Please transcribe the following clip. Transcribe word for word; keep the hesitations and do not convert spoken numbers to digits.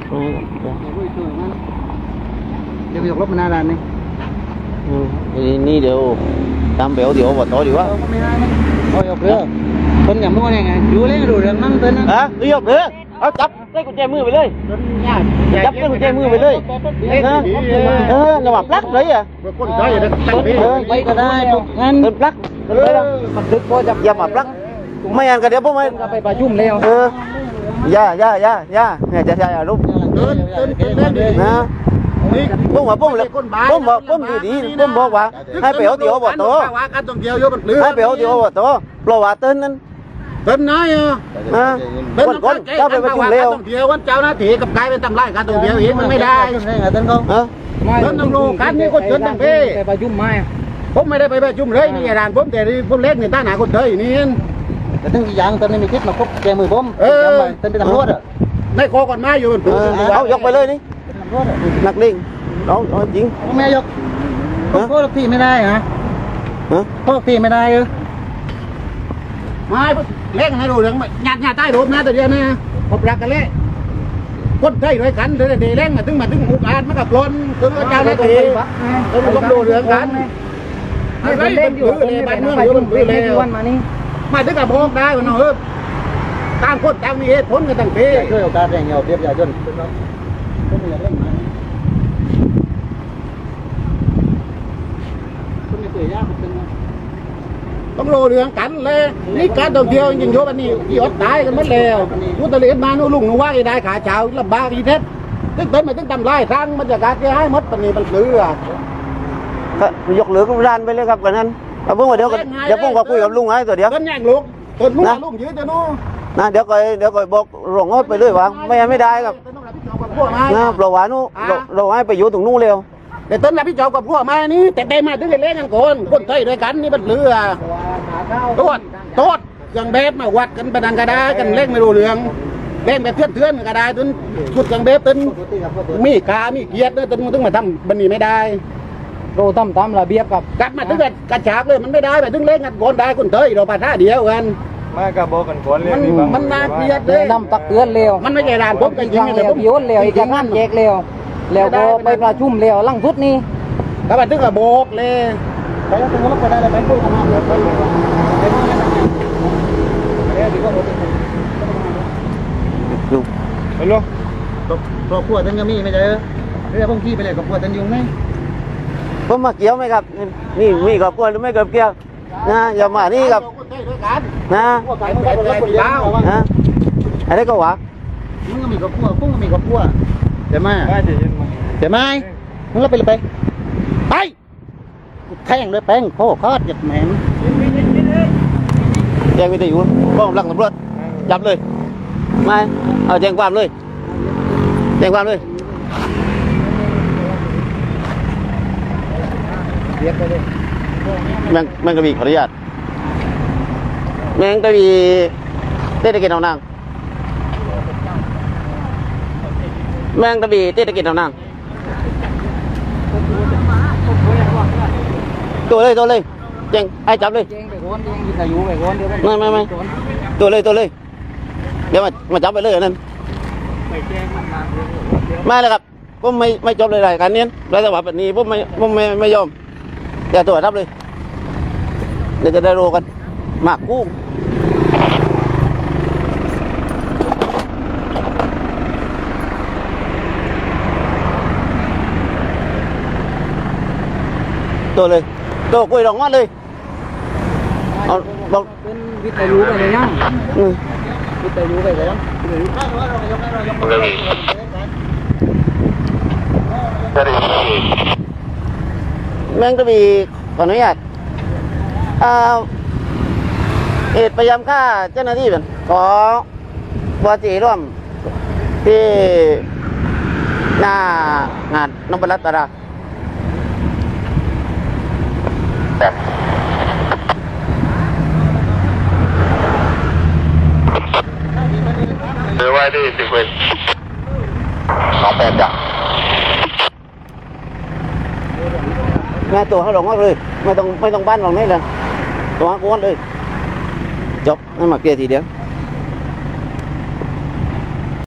เดี๋ยวยกรถมาหน้าร้านนี่นี่เดี๋ยวตามเบลเดี๋ยวvào tối đi quá thôi học nữa con nhà mua này này chú lấy đồ đường năm tên hả đi học nữaเอาจับได้กุญแจมือไปเลยจับได้กุญแจมือไปเลยนะเออระหว่างปลั๊กเลยอ่ะเออไปก็ได้งั้นเป็นปลั๊กมันดึกพอจับอย่ามาปลั๊กไม่งั้นก็เดี๋ยวพวกมันไปประชุมแล้วเออย่าย่าย่าย่าเนี่ยจะย่าลูกนะปุ้มว่าปุ้มเลยปุ้มบอกปุ้มดีดีปุ้มบอกว่าให้ไปเอาเตี๋ยวบ่โตให้ไปเอาเตี๋ยวบ่โตปล่อยว่าเต้นนั้นเต้นน้อยอ่ะนะคนคนเจ้าไปประชุมเร็วเดี๋ยววันเจ้าหน้าที่กับกายเป็นตำรายการตรงเดียวอีกมันไม่ได้เต้นเขาเต้นตำรวจการนี่คนเต้นตั้งพี่ไปประชุมไหมผมไม่ได้ไปประชุมเลยนี่ร้านผมแต่ผมเล็กนี่ตั้งหนาคนเตยนี่แต่ตั้งกี่อย่างตอนนี้มีคิดมาครบแกมือผมเออเต้นเป็นตำรวจอ่ะในคอก่อนมาอยู่เอายกไปเลยนี่นักเล่งเอาเอาจริงแม่ยกพวกพี่ไม่ได้ฮะพวกพี่ไม่ได้เออไม่เล่นให้ดูเรื่องหยาดหยาดใต้รูปนะแต่เดียวนะผมรักกันเลยคนไทยด้วยกันเดี๋ยวเดี๋ยวเล่นมาถึงมาถึงอุกอาจมากับล้นถึงเจ้าหน้าที่ต้องดูเรื่องกันไม่เล่นอยู่เลยบ้านเมืองอยู่มันเลยมานี่มาถึงกับพงได้มันเออต่างคนต่างมีเหตุผลกันต่างเพศช่วยโอกาสแรงเงาเรียบยาจนต้องโลเรื่องกันเลยนี่การท่องเที่ยวยิงโยบันนี้ที่อดตายกันหมดแล้วยุติเลียนมาโน่ลุงหนูว่าได้ขาเช้าลำบากอีเท็ดตึ้งเต้นมาตึ้งทำลายทางบรรยากาศที่ให้มดปันนี้มันคือก็ยกเหลือก็ร้านไปเลยครับกันนั้นเอาเพิ่งมาเดี๋ยวเดี๋ยวเพิ่งก็คุยกับลุงไอ้ตัวเดียวต้นแย่งลูกต้นลุงลุงยืดจะนู้นะเดี๋ยวก็เดี๋ยวก็บอกหลงงดไปเลยว่าไม่ไม่ได้ครับนะปล่อยว่านู้เราให้ไปอยู่ตรงนู้นเร็วแต่ต้นรับพี่เจ้ากับพวกมานี่แต่เต็มมาถึงเล่นกันคนคนไทยด้วยกันนี่มันเรือโทษโทษเครื่องเบสมาวัดกันประดังกระดากันเล่นไม่รู้เรื่องเล่นแบบเทื่อนเทื่อนกระดาจนชุดเครื่องเบสจนมีกามีเกียรติจนถึงมาทำบันนี้ไม่ได้โรตั้มตั้มระเบียบกับกลับมาถึงแบบกระฉากเลยมันไม่ได้แบบถึงเล่นกันคนได้คนไทยเราปะท่าเดียวกันไม่กระบอกกันคนเลยมันน่าเกลียดเลยน้ำตักเตือนเร็วมันไม่ใช่ร้านผมกันจริงๆเลยผมโยนเร็วอีกอย่างนั้นแยกเร็วแล้วก็ไปประชุมเร็วลั่งสุดนี่ก็มาถึงกระโบกเลยไปแล้วถึงแล้วก็ได้เลยไปพูดกันมาเลยไปไปมาแล้วเนี่ยดีกว่าโอ้ดูไปลูกครอบครัวท่านก็มีไม่ใช่เรื่องพวกพี่ไปเลยครอบครัวท่านยุ่งไหมผมมาเกี่ยวไหมครับนี่มีครอบครัวหรือไม่เกี่ยวเกี่ยวนะอย่ามานี่ครับนะนะอะไรก็วะมึงก็มีครอบครัวพุ่งก็มีครอบครัวเดี๋ยวมาเดี๋ยวมามึงก็ไปเลยไปไปแท่งเลยแป้งโคคอดหยัดแหมงแจ้งวิทยุกล้องหลังตำรวจจับเลยไม่เอาแจ้งความเลยแจ้งความเลยแมงแมงกระบี่ขออนุญาตแมงกระบี่เทศกิจเอานางแมงกระบี่เทศกิจเอานางตัวเลยตัวเลยเจงไอ้จับเลยไม่ไม่ไม่ตัวเลยตัวเลยเดี๋ยวมามาจับไปเลยอันนั้นไม่เลยครับผมไม่ไม่จบเลยรายการนี้รายสวัสดิ์แบบนี้ผมไม่ผมไม่ไม่ยอมแต่ตัวรับเลยเดี๋ยวจะได้โรกันหมากกุ้งตัวเลยตัวกุยดอกงอดเลยเอาบอกเป็นวิทยุไปเลยนะวิทยุไปเลยนะแมงกระบี่ขออนุญาตเหตุพยายามฆ่าเจ้าหน้าที่เป็นขอบัวจีร่วมที่หน้างานนพรัตน์ตราเดี๋ยวไว้ที่สิบเอ็ดสองแปดจ้ะงานตัวเขาหลงมากเลยไม่ต้องไม่ต้องบ้านหลงนี่เลยตัวเขาก้อนเลยจบให้มาเกลี่ยทีเดียว